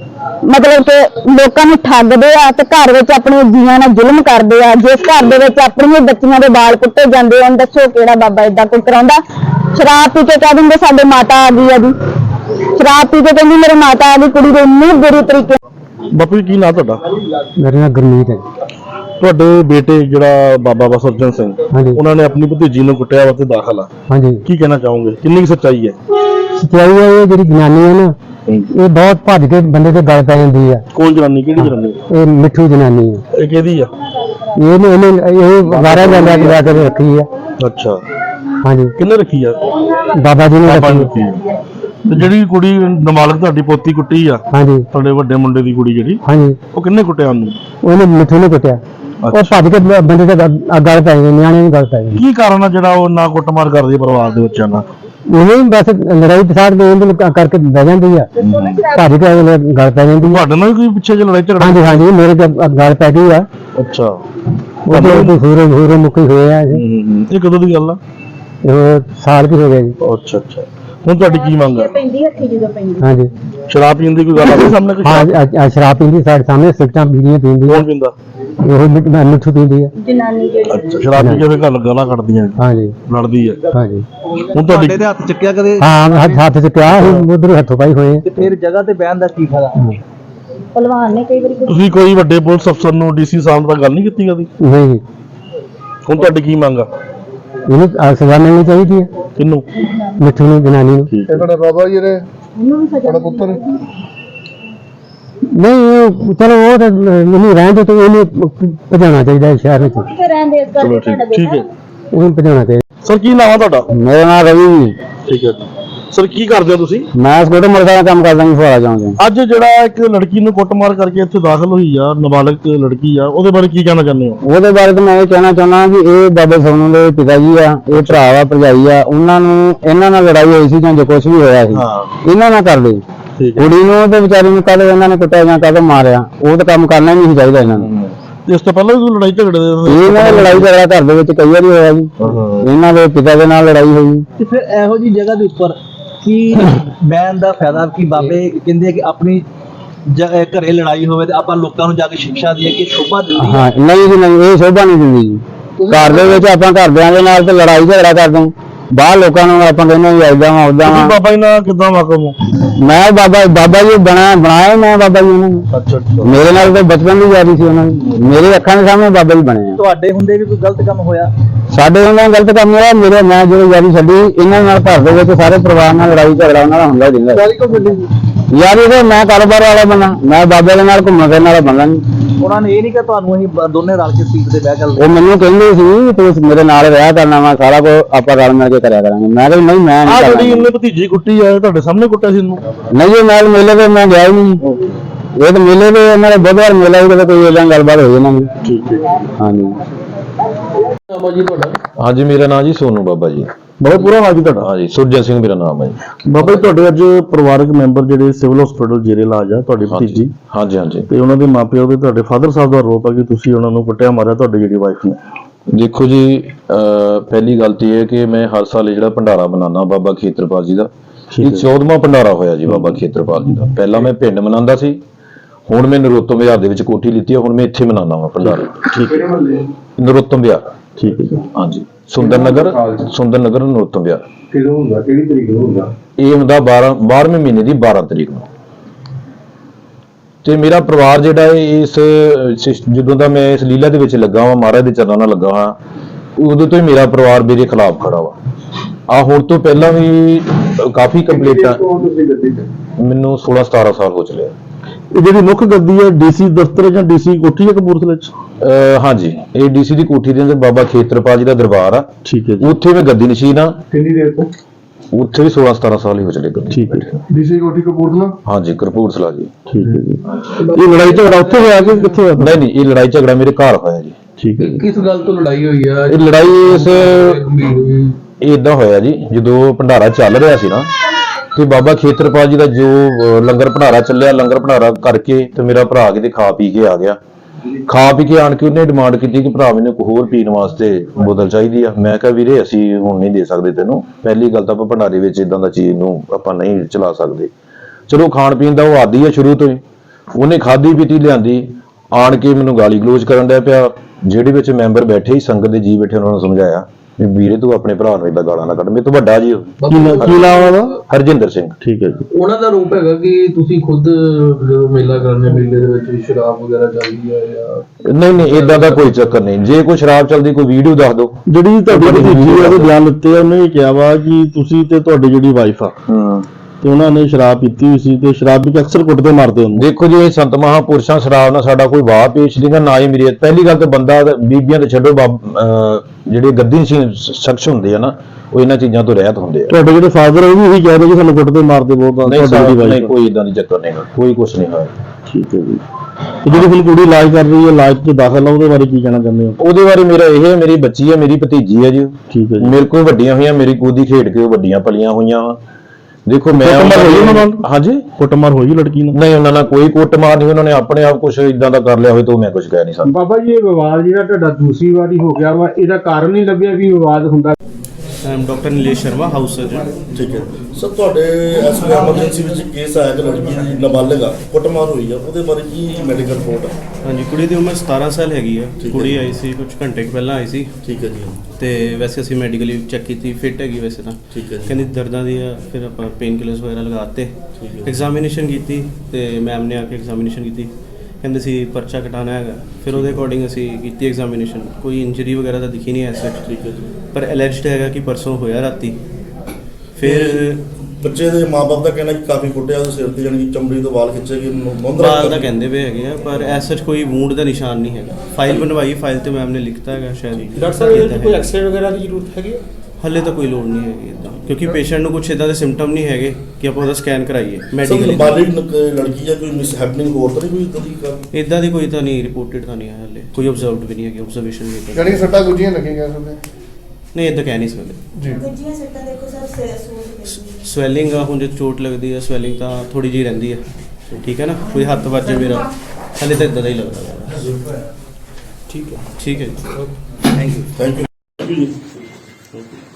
ਮਤਲਬ ਕਿ ਲੋਕਾਂ ਨੂੰ ਠੱਗਦੇ ਆ, ਤੇ ਘਰ ਵਿੱਚ ਆਪਣੇ ਜੀਆਂ ਨਾਲ ਜ਼ੁਲਮ ਕਰਦੇ ਆ। ਜਿਸ ਘਰ ਦੇ ਵਿੱਚ ਆਪਣੀਆਂ ਬੱਚੀਆਂ ਦੇ ਵਾਲ ਕੁੱਟੇ ਜਾਂਦੇ ਆ, ਦੱਸੋ ਕਿਹੜਾ ਬਾਬਾ ਏਦਾਂ ਕੋਈ ਕਰਾਉਂਦਾ? ਸ਼ਰਾਬ ਪੀ ਕੇ ਕਹਿ ਦਿੰਦੇ ਸਾਡੇ ਮਾਤਾ ਆ ਗਈ ਆ ਜੀ, ਸ਼ਰਾਬ ਪੀ ਕੇ ਕਹਿੰਦੀ ਮੇਰੇ ਮਾਤਾ ਆ ਗਈ, ਕੁੜੀ ਦੇ ਇੰਨੇ ਬੁਰੇ ਤਰੀਕੇ। ਬਾਪੂ ਜੀ ਕੀ ਨਾਂ ਤੁਹਾਡਾ? ਮੇਰੇ ਨਾਲ ਗੁਰਮੀਤ ਹੈ। ਤੁਹਾਡੇ ਬੇਟੇ ਜਿਹੜਾ ਬਾਬਾ ਵਾ ਸੁਰਜਨ ਸਿੰਘ, ਹਾਂਜੀ। ਉਹਨਾਂ ਨੇ ਆਪਣੀ ਭਤੀਜੀ ਨੂੰ ਕੁੱਟਿਆ ਵਾ ਤੇ ਦਾਖਲ ਆ, ਹਾਂਜੀ, ਕੀ ਕਹਿਣਾ ਚਾਹੋਗੇ? ਕਿੰਨੀ ਕੁ ਸੱਚਾਈ ਹੈ? ਸਚਾਈ ਹੈ ਇਹ ਜਿਹੜੀ ਜਨਾਨੀ ਹੈ ਨਾ, ਇਹ ਬਹੁਤ ਭੱਜ ਕੇ ਬੰਦੇ ਦੇ ਗਲ ਪੈ ਜਾਂਦੀ ਆ। ਕੌਣ ਜਨਾਨੀ? ਕਿਹੜੀ ਜਨਾਨੀ? ਇਹ ਮਿੱਠੂ ਜਨਾਨੀ ਹੈ। ਇਹ ਕਿਹਦੀ ਆ? ਇਹਨੇ ਇਹਨੇ ਇਹ ਵਾਰਾ ਜਾਂਦਾ ਕਿ ਜਾ ਕੇ ਰੱਖੀ ਆ। ਅੱਛਾ, ਹਾਂਜੀ, ਕਿੰਨੇ ਰੱਖੀ ਆ? ਬਾਬਾ ਜੀ ਨੇ ਬਾਬਾ ਨੇ ਰੱਖੀ ਆ। ਰੱਖੀ ਆ। ਤੇ ਜਿਹੜੀ ਕੁੜੀ ਨਾਬਾਲਗ ਤੁਹਾਡੀ ਪੋਤੀ ਕੁੱਟੀ ਆ, ਹਾਂਜੀ, ਤੁਹਾਡੇ ਵੱਡੇ ਮੁੰਡੇ ਦੀ ਕੁੜੀ ਜਿਹੜੀ, ਹਾਂਜੀ, ਉਹ ਕਿੰਨੇ ਕੁੱਟਿਆ ਉਹਨੂੰ? ਉਹਨੇ ਮਿੱਠੂ ਨੇ ਕੁੱਟਿਆ। ਉਹ ਭੱਜ ਕੇ ਬ- ਬੰਦੇ ਦੇ ਗਲ- ਗਲ ਪੈ ਗਏ, ਨਿਆਣੇ ਨੂੰ ਗਲ ਪੈ ਗਈ। ਕੀ ਕਾਰਨ ਆ ਜਿਹੜਾ ਉਹ ਨਾ ਕੁੱਟਮਾਰ ਕਰਦੀ ਆ ਪਰਿਵਾਰ ਦੇ ਬੱਚਿਆਂ ਨਾਲ? ਇਹ ਬਸ ਲੜਾਈ ਫਸਾਦ ਦੇ ਇਹਦੇ ਨਾਲ ਕਰਕੇ ਬਹਿ ਜਾਂਦੀ ਆ, ਭੱਜ ਕੇ ਅਗਲੇ ਗਲ ਪੈ ਜਾਂਦੀ ਆ। ਤੁਹਾਡੇ ਨਾਲ ਵੀ ਕੋਈ ਪਿੱਛੇ ਜੇ ਲੜਾਈ ਝਗੜਾ? ਹਾਂਜੀ, ਹਾਂਜੀ, ਮੇਰੇ ਤੇ ਗਲ ਪੈ ਗਈ ਆ। ਅੱਛਾ, ਉਹਦੇ ਹੂਰੇ ਹੂਰੇ ਮੁੱਕੀ ਹੋਏ ਆ। ਇਹ ਇਹ ਕਦੋਂ ਦੀ ਗੱਲ ਆ? ਇਹ ਸਾਲ ਵੀ ਹੋ ਗਿਆ ਜੀ। ਅੱਛਾ ਅੱਛਾ, ਹੁਣ ਤੁਹਾਡੀ ਕੀ ਮੰਗ ਆ? ਪੈਂਦੀ ਹੱਥੀ ਜਦੋਂ ਪੈਂਦੀ। ਹਾਂਜੀ, ਸ਼ਰਾਬ ਪੀਣ ਦੀ ਕੋਈ ਗੱਲ ਆ ਸਾਹਮਣੇ? ਹਾਂ, ਅੱਜ- ਅੱਜ ਸ਼ਰਾਬ ਪੀਂਦੀ ਸਾਡੇ ਸਾਹਮਣੇ, ਸਿਗਰਟਾਂ ਬੀੜੀਆਂ ਪੀਂਦੀ ਆ। ਕੌਣ ਪੀਂਦਾ? ਉਹ ਮਿੱਠ- ਮਿੱਠੂ ਪੀਂਦੀ ਆ। ਜਨਾਨੀ ਜਿਹੜੀ ਅੱਛਾ, ਸ਼ਰਾਬ ਪੀ ਕੇ ਫਿਰ ਘਰ ਗਾਲਾਂ ਕੱਢਦੀਆਂ, ਹਾਂਜੀ, ਲੜਦੀ ਹੈ। ਹਾਂਜੀ, ਹੁਣ ਤੁਹਾਡੀ ਤੁਹਾਡੇ ਦੇ ਹੱਥ ਚੱਕਿਆ ਕਦੇ? ਹਾਂ, ਹੱਥ ਹੱਥ ਚ ਪਿਆ ਉਧਰ ਹੱਥੋਂ ਪਾਈ ਹੋਏ ਆ। ਤੇ ਫਿਰ ਜਗ੍ਹਾ ਤੇ ਬਹਿਣ ਦਾ ਕੀ ਫਾਇਦਾ? ਪਹਿਲਵਾਨ ਨੇ ਕਈ ਵਾਰੀ ਤੁਸੀਂ ਕੋਈ ਵੱਡੇ ਪੁਲਿਸ ਅਫਸਰ ਨੂੰ, ਡੀਸੀ ਸਾਹਿਬ ਨਾਲ ਗੱਲ ਨਹੀਂ ਕੀਤੀ ਕਦੀ? ਨਹੀਂ ਜੀ, ਹੁਣ ਤੁਹਾਡੀ ਕੀ ਮੰਗ ਆ? ਇਹਨੂੰ ਆ ਸਜ਼ਾ ਮਿਲਣੀ ਚਾਹੀਦੀ ਹੈ ਕਿਹਨੂੰ? ਮਿੱਠੂ ਨੂੰ, ਜਨਾਨੀ ਨੂੰ। ਠੀਕ ਹੈ। ਤੁਹਾਡੇ ਬਾਬਾ ਜੀ ਨੇ ਇਹਨੂੰ ਵੀ ਸਜ਼ਾ ਤੁਹਾਡਾ ਪੁੱਤਰ ਨਹੀਂ, ਉਹ ਚਲੋ ਉਹ ਤਾਂ ਮੈਨੂੰ ਰਹਿਣ ਦੇ, ਤੇ ਇਹਨੂੰ ਭਜਾਉਣਾ ਚਾਹੀਦਾ ਹੈ ਸ਼ਹਿਰ ਵਿੱਚ। ਕਿੱਥੇ ਰਹਿੰਦੇ ਇਸ ਚਲੋ ਕਰਕੇ ਠੀਕ ਠੀਕ ਹੈ। ਉਹਨੂੰ ਭਜਾਉਣਾ ਚਾਹੀਦਾ। ਸਰ ਕੀ ਨਾਮ ਆ ਤੁਹਾਡਾ? ਮੇਰਾ ਨਾਮ ਰਵੀ। ਠੀਕ ਹੈ ਜੀ। ਸਰ ਕੀ ਕਰਦੇ ਹੋ ਤੁਸੀਂ? ਮੈਂ ਸਕੂਟਰ ਮੋਟਰਸਾਈਕਲ ਦਾ ਕੰਮ ਕਰਦਾ ਹਾਂ, ਫੁਆਰਾ ਚਾਹੁੰਦਾ। ਅੱਜ ਜਿਹੜਾ ਇੱਕ ਲੜਕੀ ਨੂੰ ਕੁੱਟਮਾਰ ਕਰਕੇ ਇੱਥੇ ਦਾਖਲ ਹੋਈ ਆ, ਨਾਬਾਲਗ ਲੜਕੀ ਆ, ਉਹਦੇ ਬਾਰੇ ਕੀ ਕਹਿਣਾ ਚਾਹੁੰਦੇ ਹੋ? ਉਹਦੇ ਬਾਰੇ ਤਾਂ ਮੈਂ ਇਹ ਕਹਿਣਾ ਚਾਹੁੰਦਾ ਕਿ ਇਹ ਬਾਬਾ ਸੋਨੂੰ ਦੇ ਪਿਤਾ ਜੀ ਆ, ਇਹ ਭਰਾ ਵਾ, ਭਰਜਾਈ ਆ, ਉਹਨਾਂ ਨੂੰ ਇਹਨਾਂ ਨਾਲ ਲੜਾਈ ਹੋਈ ਸੀ ਜਾਂ ਜੋ ਕੁਝ ਵੀ ਹੋਇਆ ਸੀ, ਹਾਂ, ਇਹਨਾਂ ਨਾਲ ਕਰਦੇ। ਠੀਕ ਹੈ। ਕੁੜੀ ਨੂੰ ਤੇ ਵਿਚਾਰੀ ਨੂੰ ਕਦੇ ਇਹਨਾਂ ਨੇ ਕੁੱਟਿਆ ਜਾਂ ਕਦੇ ਮਾਰਿਆ, ਉਹ ਤਾਂ ਕੰਮ ਕਰਨਾ ਹੀ ਨਹੀਂ ਚਾਹੀਦਾ ਇਹਨਾਂ ਨੂੰ। ਤੇ ਇਸ ਤੋਂ ਪਹਿਲਾਂ ਵੀ ਕੋਈ ਲੜਾਈ ਝਗੜੇ ਦੇ? ਇਹਨਾਂ ਦੀ ਲੜਾਈ ਝਗੜਾ ਘਰ ਦੇ ਵਿੱਚ ਕਈ ਵਾਰੀ ਹੋਇਆ ਜੀ, ਹਾਂ। ਇਹਨਾਂ ਦੇ ਪਿਤਾ ਦੇ ਨਾਲ ਲੜਾਈ ਹੋਈ। ਤੇ ਫਿਰ ਇਹੋ ਜੀ ਜਗ੍ਹਾ ਦੇ ਉੱਪਰ ਕੀ ਬਹਿਣ ਦਾ ਫਾਇਦਾ? ਕਿ ਬਾਬੇ ਕਹਿੰਦੇ ਆ ਕਿ ਆਪਣੀ ਜ- ਘਰੇ ਲੜਾਈ ਹੋਵੇ ਤੇ ਆਪਾਂ ਲੋਕਾਂ ਨੂੰ ਜਾ ਕੇ ਸਿੱਖਿਆ ਦਈਏ ਕਿ ਸ਼ੋਭਾ ਦਿੰਦੀ ਹੈ। ਹਾਂ, ਨਹੀਂ ਜੀ, ਨਹੀਂ, ਇਹ ਸ਼ੋਭਾ ਨਹੀਂ ਦਿੰਦੀ ਜੀ। ਘਰ ਦੇ ਵਿੱਚ ਆਪਾਂ ਘਰਦਿਆਂ ਦੇ ਨਾਲ ਤੇ ਲੜਾਈ ਝਗੜਾ ਕਰਦੇ ਹਾਂ, ਬਾਹਰ ਲੋਕਾਂ ਨੂੰ ਆਪਾਂ ਕਹਿੰਦੇ ਵੀ ਏਦਾਂ ਵਾ ਓਦਾਂ ਤੁਸੀਂ ਵਾ। ਬਾਬਾ ਜੀ ਨਾਲ ਕਿੱਦਾਂ ਵਾਕਫ ਹੋ? ਮੈਂ ਬਾਬਾ ਬਾਬਾ ਜੀ ਬਣਾ ਬਣਾਇਆ ਮੈਂ ਬਾਬਾ ਜੀ ਉਹਨਾਂ ਨੂੰ। ਅੱਛਾ ਅੱਛਾ। ਮੇਰੇ ਨਾਲ ਤਾਂ ਬਚਪਨ ਦੀ ਯਾਰੀ ਸੀ ਉਹਨਾਂ ਦੀ, ਮੇਰੇ ਅੱਖਾਂ ਦੇ ਸਾਹਮਣੇ ਬਾਬਾ ਜੀ ਬਣੇ ਆ। ਤੁਹਾਡੇ ਹੁੰਦੇ ਵੀ ਕੋਈ ਗਲਤ ਕੰਮ ਹੋਇਆ? ਸਾਡੇ ਉਹਨਾਂ ਗਲਤ ਕੰਮ ਹੋਇਆ, ਮੇਰੇ ਮੈਂ ਜਦੋਂ ਯਾਰੀ ਛੱਡੀ ਇਹਨਾਂ ਨਾਲ ਘਰ ਦੇ ਵਿੱਚ ਸਾਰੇ ਪਰਿਵਾਰ ਨਾਲ ਲੜਾਈ ਝਗੜਾ ਉਹਨਾਂ ਦਾ ਹੁੰਦਾ ਰਹਿੰਦਾ। ਸਾਰੀ ਕੋ ਮਿਲੀ ਯਾਰੀ ਤੇ ਮੈਂ ਕਾਰੋਬਾਰ ਵਾਲਾ ਬੰਦਾ, ਮੈਂ ਬਾਬੇ ਦੇ ਨਾਲ ਘੁੰਮਣ ਫਿਰਨ ਵਾਲਾ ਬੰਦਾ ਨਹੀਂ। ਉਹਨਾਂ ਨੇ ਇਹ ਨਹੀਂ ਕਿ ਤੁਹਾਨੂੰ ਅਸੀਂ ਬ- ਦੋਨੇ ਰਲ ਕੇ ਸੀਟ ਤੇ ਬਹਿ ਚੱਲਦੇ। ਉਹ ਮੈਨੂੰ ਕਹਿੰਦੇ ਸੀ ਤੂੰ ਮੇਰੇ ਨਾਲ ਵਿਆਹ ਕਰਨਾ ਵਾ, ਸਾਰਾ ਕੁਝ ਆਪਾਂ ਰਲ ਮਿਲ ਕੇ ਕਰਿਆ ਕਰਾਂਗੇ। ਮੈਂ ਕਿਹਾ ਨਹੀਂ, ਮੈਂ ਆ ਨਹੀਂ ਜਿਹੜੀ ਕਰਨਾ। ਉਹਨੇ ਭਤੀਜੀ ਕੁੱਟੀ ਆ ਤੁਹਾਡੇ ਸਾਹਮਣੇ ਕੁੱਟਿਆ ਸੀ ਇਹਨੂੰ? ਨਹੀਂ ਜੀ, ਮੈਂ ਮੇਲੇ ਤੇ ਮੈਂ ਗਿਆ ਹੀ ਨਹੀਂ। ਇਹ ਤਾਂ ਮੇਲੇ ਤੇ ਇਹਨਾਂ ਦੇ ਬੁੱਧਵਾਰ ਮੇਲਾ ਹੀ, ਕੋਈ ਇਦਾਂ ਗੱਲਬਾਤ ਹੋਈ ਇਹਨਾਂ ਦੀ। ਠੀਕ ਹੈ। ਹਾਂਜੀ ਹਾਂਜੀ, ਮੇਰਾ ਨਾਮ ਜੀ ਸੋਨੂ ਬਾਬਾ ਜੀ। ਬਹੁਤ ਪੂਰਾ ਨਾਂ ਜੀ ਤੁਹਾਡਾ? ਹਾਂਜੀ, ਸੁਰਜਨ ਸਿੰਘ ਮੇਰਾ ਨਾਮ ਹੈ ਜੀ। ਬਾਬਾ ਜੀ, ਤੁਹਾਡੇ ਅੱਜ ਪਰਿਵਾਰਕ ਮੈਂਬਰ ਜਿਹੜੇ ਸਿਵਲ ਹਸਪੀਟਲ ਜੇਰੇ ਇਲਾਜ ਆ, ਤੁਹਾਡੀ ਭਤੀਜੀ ਹਾਂਜੀ ਹਾਂਜੀ। ਤੇ ਉਹਨਾਂ ਦੇ ਮਾਪਿਓ ਤੇ ਤੁਹਾਡੇ ਫਾਦਰ ਸਾਹਿਬ ਦਾ ਆਰੋਪ ਆ ਕਿ ਤੁਸੀਂ ਉਹਨਾਂ ਨੂੰ ਕੁੱਟਿਆ ਮਾਰਿਆ, ਤੁਹਾਡੀ ਜਿਹੜੀ ਵਾਈਫ ਨੇ। ਦੇਖੋ ਜੀ, ਅਹ ਪਹਿਲੀ ਗੱਲ ਤੇ ਇਹ ਹੈ ਕਿ ਮੈਂ ਹਰ ਸਾਲ ਇਹ ਜਿਹੜਾ ਭੰਡਾਰਾ ਮਨਾਉਂਦਾ ਬਾਬਾ ਖੇਤਰਪਾਲ ਜੀ ਦਾ, ਇਹ ਚੌਦਵਾਂ ਭੰਡਾਰਾ ਹੋਇਆ ਜੀ ਬਾਬਾ ਖੇਤਰਪਾਲ ਜੀ ਦਾ। ਪਹਿਲਾਂ ਮੈਂ ਪਿੰਡ ਮਨਾਉਂਦਾ ਸੀ, ਹੁਣ ਮੈਂ ਨਰੋਤਮ ਵਿਹਾਰ ਦੇ ਵਿੱਚ ਕੋਠੀ ਲਿੱਤੀ ਹੈ, ਹੁਣ ਮੈਂ ਇੱਥੇ ਮਨਾਉਂਦਾ ਵਾਂ ਭੰਡਾਰਾ। ਠੀਕ ਹੈ। ਨਰੋਤਮ ਵਿਹਾਰ। ਠੀਕ ਹੈ ਜੀ। ਹਾਂਜੀ, ਸੁੰਦਰ ਨਗਰ, ਸੁੰਦਰ ਨਗਰ ਨਰੋਤਮ ਵਿਹਾਰ। ਕਿਦੋਂ ਹੁੰਦਾ, ਕਿਹੜੀ ਤਰੀਕ ਨੂੰ ਹੁੰਦਾ? ਇਹ ਹੁੰਦਾ ਬਾਰਾਂ ਬਾਰ੍ਹਵੇਂ ਮਹੀਨੇ ਦੀ ਬਾਰਾਂ ਤਰੀਕ ਨੂੰ। ਤੇ ਮੇਰਾ ਪਰਿਵਾਰ ਜਿਹੜਾ ਹੈ ਇਸ ਸਿਸ- ਜਦੋਂ ਦਾ ਮੈਂ ਇਸ ਲੀਲਾ ਦੇ ਵਿੱਚ ਲੱਗਾ ਵਾਂ, ਮਹਾਰਾਜ ਦੇ ਚਰਨਾਂ ਨਾਲ ਲੱਗਾ ਹਾਂ, ਉਦੋਂ ਤੋਂ ਹੀ ਮੇਰਾ ਪਰਿਵਾਰ ਮੇਰੇ ਖਿਲਾਫ ਖੜਾ ਵਾ। ਆ ਹੁਣ ਤੋਂ ਪਹਿਲਾਂ ਵੀ ਕਾਫੀ ਕੰਪਲੇਂਟਾਂ, ਕੌਣ ਤੁਸੀਂ ਗੱਡੀ ਤੇ? ਮੈਨੂੰ ਸੋਲਾਂ ਸਤਾਰਾਂ ਸਾਲ ਹੋ ਚਲੇ ਆ। ਇਹ ਜਿਹੜੀ ਮੁੱਖ ਗੱਦੀ ਹੈ ਡੀਸੀ ਦਫ਼ਤਰ ਜਾਂ ਡੀਸੀ ਕੋਠੀ ਹੈ ਕਪੂਰਥਲੇ ਚ? ਅਹ ਹਾਂਜੀ, ਇਹ ਡੀਸੀ ਦੀ ਕੋਠੀ ਦੇ ਅੰਦਰ ਬਾਬਾ ਖੇਤਰਪਾਲ ਜੀ ਦਾ ਦਰਬਾਰ ਆ, ਠੀਕ ਹੈ ਜੀ। ਉੱਥੇ ਮੈਂ ਗੱਦੀ ਨਸ਼ੀਨ ਆ। ਕਿੰਨੀ ਦੇਰ ਤੋਂ? ਉੱਥੇ ਵੀ ਸੋਲਾਂ ਸਤਾਰਾਂ ਸਾਲ ਹੀ ਹੋ ਚਲੇ ਗੱਦੀ। ਠੀਕ ਹੈ। ਡੀਸੀ ਕੋਠੀ ਕਪੂਰਥਲਾ? ਹਾਂਜੀ, ਕਪੂਰਥਲਾ ਜੀ। ਠੀਕ ਹੈ ਜੀ। ਇਹ ਲੜਾਈ ਝਗੜਾ ਉੱਥੇ ਹੋਇਆ ਕਿ ਕਿੱਥੇ ਹੋਇਆ? ਨਹੀਂ ਨਹੀਂ, ਇਹ ਲੜਾਈ ਝਗੜਾ ਮੇਰੇ ਘਰ ਹੋਇਆ ਜੀ। ਠੀਕ ਹੈ ਜੀ। ਕਿਸ ਗੱਲ ਤੋਂ ਲੜਾਈ ਹੋਈ ਆ? ਇਹ ਲੜਾਈ ਇਸ ਗੰਭੀਰ ਹੋਈ। ਇਹ ਇਦਾਂ ਹੋਇਆ ਜੀ, ਜਦੋਂ ਭੰਡਾਰਾ ਚੱਲ ਰਿਹਾ ਸੀ ਨਾ, ਤੇ ਬਾਬਾ ਖੇਤਰਪਾਲ ਜੀ ਦਾ ਜੋ ਅਹ, ਲੰਗਰ ਭੰਡਾਰਾ ਚੱਲਿਆ, ਲੰਗਰ ਭੰਡਾਰਾ ਕਰਕੇ ਤੇ ਮੇਰਾ ਭਰਾ ਕਿਤੇ ਖਾ ਪੀ ਕੇ ਆ ਗਿਆ। ਖਾ ਪੀ ਕੇ ਆਣ ਕੇ ਉਹਨੇ ਡਿਮਾਂਡ ਕੀਤੀ ਕਿ ਭਰਾ ਮੈਨੂੰ ਕੋਈ ਹੋਰ ਪੀਣ ਵਾਸਤੇ ਬੋਤਲ ਚਾਹੀਦੀ ਆ। ਮੈਂ ਕਿਹਾ ਵੀਰੇ, ਅਸੀਂ ਹੁਣ ਨਹੀਂ ਦੇ ਸਕਦੇ ਤੈਨੂੰ। ਪਹਿਲੀ ਗੱਲ ਤਾਂ ਆਪਾਂ ਭੰਡਾਰੇ ਵਿੱਚ ਇਦਾਂ ਦਾ ਚੀਜ਼ ਨੂੰ ਆਪਾਂ ਨਹੀਂ ਚਲਾ ਸਕਦੇ। ਚਲੋ, ਖਾਣ ਪੀਣ ਦਾ ਉਹ ਆਦੀ ਆ ਸ਼ੁਰੂ ਤੋਂ ਹੀ। ਉਹਨੇ ਖਾਧੀ ਪੀਤੀ ਲਿਆਂਦੀ, ਆਣ ਕੇ ਮੈਨੂੰ ਗਾਲੀ ਗਲੋਚ ਕਰਨ ਡਿਆ ਪਿਆ। ਜਿਹੜੇ ਵਿੱਚ ਮੈਂਬਰ ਬੈਠੇ ਸੀ, ਸੰਗਤ ਦੇ ਜੀ ਬੈਠੇ, ਉਹਨਾਂ ਨੂੰ ਸਮਝਾਇਆ ਵੀ ਵੀਰੇ ਤੂੰ ਆਪਣੇ ਭਰਾ ਨੂੰ ਏਦਾਂ ਗਾਲਾਂ ਨਾ ਕੱਢ, ਮੇਰੇ ਤੋਂ ਵੱਡਾ ਜੀ ਉਹ। ਕੀ ਨਾਂ- ਕੀ ਨਾਮ ਉਹਦਾ? ਹਰਜਿੰਦਰ ਸਿੰਘ। ਠੀਕ ਹੈ ਜੀ। ਉਹਨਾਂ ਦਾ ਰੂਪ ਹੈਗਾ ਕਿ ਤੁਸੀਂ ਖੁਦ ਜਦੋਂ ਮੇਲਾ ਕਰਨੇ, ਮੇਲੇ ਦੇ ਵਿੱਚ ਸ਼ਰਾਬ ਵਗੈਰਾ ਚੱਲਦੀ ਆ ਜਾਂ ਨਹੀਂ ਨਹੀਂ, ਏਦਾਂ ਦਾ ਕੋਈ ਚੱਕਰ ਨਹੀਂ। ਜੇ ਕੋਈ ਸ਼ਰਾਬ ਚੱਲਦੀ, ਕੋਈ ਵੀਡੀਓ ਦੱਸ ਦਿਓ। ਜਿਹੜੀ ਤੁਹਾਡੀ ਭਤੀਜੀ ਆ, ਉਹਦੇ ਬਿਆਨ ਦਿੱਤੇ ਆ, ਉਹਨੇ ਇਹ ਕਿਹਾ ਵਾ ਕਿ ਤੁਸੀਂ ਤੇ ਤੁਹਾਡੀ ਜਿਹੜੀ ਵਾਈਫ ਆ, ਹੂੰ, ਤੇ ਉਹਨਾਂ ਨੇ ਸ਼ਰਾਬ ਪੀਤੀ ਹੋਈ ਸੀ ਤੇ ਸ਼ਰਾਬ ਵਿੱਚ ਅਕਸਰ ਕੁੱਟਦੇ ਮਾਰਦੇ ਹੁੰਦੇ। ਦੇਖੋ ਜੀ, ਇਹ ਸੰਤ ਮਹਾਂਪੁਰਸ਼ਾਂ ਸ਼ਰਾਬ ਨਾਲ ਸਾਡਾ ਕੋਈ ਵਾਹ ਪੇਸ਼ ਨਹੀਂਗਾ, ਨਾ ਹੀ ਮੇਰੀ। ਪਹਿਲੀ ਗੱਲ ਤਾਂ ਬੰਦਾ ਬੀਬੀਆਂ ਤੇ ਛੱਡੋ, ਬਾਬ- ਅਹ ਜਿਹੜੇ ਗੱਦੀ ਸ਼ਖਸ ਹੁੰਦੇ ਆ ਨਾ, ਉਹ ਇਹਨਾਂ ਚੀਜ਼ਾਂ ਤੋਂ ਰਹਿਤ ਹੁੰਦੇ ਆ। ਤੁਹਾਡੇ ਜਿਹੜੇ ਫਾਦਰ ਉਹ ਵੀ ਇਹੀ ਕਹਿ ਰਹੇ ਕਿ ਸਾਨੂੰ ਕੁੱਟਦੇ ਮਾਰਦੇ ਬਹੁਤ ਆ, ਨਹੀਂ ਤੁਹਾਡੀ ਸਾਹਿਬ, ਜਿਹੜੀ ਨਹੀਂ, ਵਾਈਫ। ਕੋਈ ਇਦਾਂ ਦੀ ਚੱਕਰ ਨਹੀਂ, ਕੋਈ ਕੁਛ ਨਹੀਂ ਹੋਇਆ। ਠੀਕ ਹੈ ਜੀ। ਤੇ ਜਿਹੜੀ ਹੁਣ ਕੁੜੀ ਇਲਾਜ ਕਰ ਰਹੀ ਹੈ, ਇਲਾਜ 'ਚ ਦਾਖਲ ਆ, ਉਹਦੇ ਬਾਰੇ ਕੀ ਕਹਿਣਾ ਚਾਹੁੰਦੇ ਹੋ? ਉਹਦੇ ਬਾਰੇ ਮੇਰਾ ਇਹ ਹੈ, ਮੇਰੀ ਬੱਚੀ ਹੈ, ਮੇਰੀ ਭਤੀਜੀ ਹੈ ਜੀ। ਠੀਕ ਹੈ ਜੀ। ਮੇਰੇ ਕੋਲ ਵੱਡੀਆਂ ਹੋਈਆਂ, ਮੇਰੀ ਗੋਦੀ ਖੇਡ ਕੇ ਉਹ ਵੱਡੀਆਂ ਪਲੀਆਂ ਹੋਈਆਂ ਵਾ। ਦੇਖੋ, ਮੈਂ ਕੁੱਟਮਾਰ ਹੋਈ ਉਹਨਾਂ ਨਾਲ? ਹਾਂਜੀ, ਕੁੱਟਮਾਰ ਹੋਈ ਲੜਕੀ ਨਾਲ? ਨਹੀਂ, ਉਹਨਾਂ ਨਾਲ ਕੋਈ ਕੁੱਟਮਾਰ ਨਹੀਂ। ਉਹਨਾਂ ਨੇ ਆਪਣੇ ਆਪ ਕੁਝ ਇਦਾਂ ਦਾ ਕਰ ਲਿਆ ਹੋਵੇ ਤਾਂ ਮੈਂ ਕੁਝ ਕਹਿ ਨਹੀਂ ਸਕਦਾ। ਬਾਬਾ ਜੀ, ਇਹ ਵਿਵਾਦ ਜਿਹੜਾ ਤੁਹਾਡਾ ਦੂਸਰੀ ਵਾਰੀ ਹੋ ਗਿਆ ਵਾ, ਇਹਦਾ ਕਾਰਨ ਨਹੀਂ ਲੱਭਿਆ ਵੀ ਵਿਵਾਦ ਹੁੰਦਾ? I am doctor Nilesh Sharma, house surgeon. ਠੀਕ ਹੈ ਸਰ, ਤੁਹਾਡੇ ਇਸ ਵੇਲੇ ਐਮਰਜੈਂਸੀ ਵਿੱਚ ਕੇਸ ਆਇਆ ਕਿ ਲੜਕੀ ਦੀ ਨਾਬਾਲਗ ਆ, ਕੁੱਟਮਾਰ ਹੋਈ ਆ, ਉਹਦੇ ਬਾਰੇ ਕੀ ਮੈਡੀਕਲ ਰਿਪੋਰਟ ਆ? ਹਾਂਜੀ, ਕੁੜੀ ਦੀ ਉਮਰ ਸਤਾਰਾਂ ਸਾਲ ਹੈਗੀ ਆ। ਠੀਕ ਹੈ। ਕੁੜੀ ਆਈ ਸੀ ਕੁਝ ਘੰਟੇ ਕੁ ਪਹਿਲਾਂ ਆਈ ਸੀ, ਠੀਕ ਹੈ ਜੀ। ਤੇ ਵੈਸੇ ਅਸੀਂ ਮੈਡੀਕਲੀ ਚੈੱਕ ਕੀਤੀ, ਫਿਟ ਹੈਗੀ ਵੈਸੇ ਤਾਂ। ਠੀਕ ਹੈ ਜੀ। ਕਹਿੰਦੀ ਦਰਦਾਂ ਦੀ ਆ, ਫਿਰ ਆਪਾਂ ਪੇਨ ਕਿਲਰਸ ਵਗੈਰਾ ਲਗਾਤੇ, ਠੀਕ ਹੈ। ਐਗਜ਼ਾਮੀਨੇਸ਼ਨ ਕੀਤੀ ਤੇ ਮੈਮ ਨੇ ਆ ਕੇ ਐਗਜ਼ਾਮੀਨੇਸ਼ਨ ਕੀਤੀ। ਕਹਿੰਦੇ ਸੀ ਪਰਚਾ ਕਟਾਣਾ ਹੈਗਾ, ਫਿਰ ਉਹਦੇ ਅਕੋਰਡਿੰਗ ਅਸੀਂ ਕੀਤੀ ਐਗਜ਼ਾਮੀਨੇਸ਼ਨ। ਕੋਈ ਇੰਜਰੀ ਵਗੈਰਾ ਤਾਂ ਦਿਖੀ ਨਹੀਂ ਐਸ ਸੱਚ, ਠੀਕ ਹੈ ਜੀ। ਪਰ ਐਲਰਜਡ ਹੈਗਾ ਕਿ ਪਰਸੋਂ ਹੋਇਆ ਰਾਤੀ। ਫਿਰ ਬੱਚੇ ਦੇ ਮਾਪੇ ਦਾ ਕਹਿਣਾ ਕਿ ਕਾਫੀ ਕੁੱਟਿਆ, ਉਹਦੇ ਸਿਰ ਤੇ ਜਾਣੀ ਕਿ ਚਮੜੀ ਤੋਂ ਵਾਲ ਖਿੱਚੇ ਗਏ, ਮੁੰਦਰਾ ਬਾਲ ਦਾ ਕਹਿੰਦੇ ਪਏ ਹੈਗੇ ਆ, ਪਰ ਐਸ ਸੱਚ ਕੋਈ ਵੂੰਡ ਦਾ ਨਿਸ਼ਾਨ ਨਹੀਂ ਹੈਗਾ। ਫਾਈਲ ਬਣਵਾਈ, ਫਾਈਲ ਤੇ ਮੈਮ ਨੇ ਲਿਖਤਾ ਹੈਗਾ ਸ਼ਾਇਦ। ਡਾਕਟਰ ਸਾਹਿਬ, ਇਹਦੇ ਵਿੱਚ ਕੋਈ ਐਕਸਰੇ ਵਗੈਰਾ ਦੀ ਜ਼ਰੂਰਤ ਹੈਗੀ? ਹਲੇ ਤਾਂ ਕੋਈ ਲੋੜ ਨਹੀਂ ਹੈਗੀ ਇਦਾਂ, ਕਿਉਂਕਿ ਪੇਸ਼ੈਂਟ ਨੂੰ ਕੁਝ ਇਦਾਂ ਦੇ ਸਿੰਪਟਮ ਨਹੀਂ ਹੈਗੇ ਕਿ ਆਪਾਂ ਉਹਦਾ ਸਕੈਨ ਕਰਾਈਏ ਸਰ, ਮੈਡੀਕਲੀ। ਨਾਬਾਲਿਗ ਨ- ਲੜਕੀ ਜਾਂ ਕੋਈ ਮਿਸ ਹੈਪਨਿੰਗ ਹੋਰ ਤਾਂ ਨਹੀਂ ਕੋਈ ਇਦਾਂ ਦੀ ਗੱਲ? ਇਦਾਂ ਦੀ ਕੋਈ ਤਾਂ ਨਹੀਂ ਰਿਪੋਰਟਡ ਤਾਂ ਨਹੀਂ ਹੈ ਹਲੇ, ਕੋਈ ਆਬਜ਼ਰਵਡ ਵੀ ਨਹੀਂ ਹੈਗੀ, ਆਬਜ਼ਰਵੇਸ਼ਨ ਵੀ ਏਦਾਂ ਦੀ। ਯਾਨੀ ਕਿ ਸੱਟਾਂ ਗੁੱਜੀਆਂ ਲੱਗੀਆਂ ਸਭੇ? ਨਹੀਂ, ਇਦਾਂ ਕਹਿ ਨਹੀਂ ਸਕਦੇ। ਜੀ। ਗੁੱਜੀਆਂ ਸੱਟਾਂ ਦੇਖੋ ਸਰ, ਸਵੈਲਿੰਗ ਆ, ਹੁਣ ਜੇ ਚੋਟ ਲੱਗਦੀ ਹੈ ਸਵੈਲਿੰਗ ਤਾਂ ਥੋੜੀ ਜਿਹੀ ਰਹਿੰਦੀ ਹੈ, ਠੀਕ ਹੈ ਨਾ। ਕੋਈ ਹੱਥ ਵੱਜੇ ਮੇਰਾ, ਹਲੇ ਤਾਂ ਇਦਾਂ ਦਾ ਹੀ ਲੱਗਦਾ। ਠੀਕ ਹੈ, ਠੀਕ ਹੈ ਜੀ, ਥੈਂਕ ਯੂ। ਥੈਂਕ ਯੂ ਜੀ।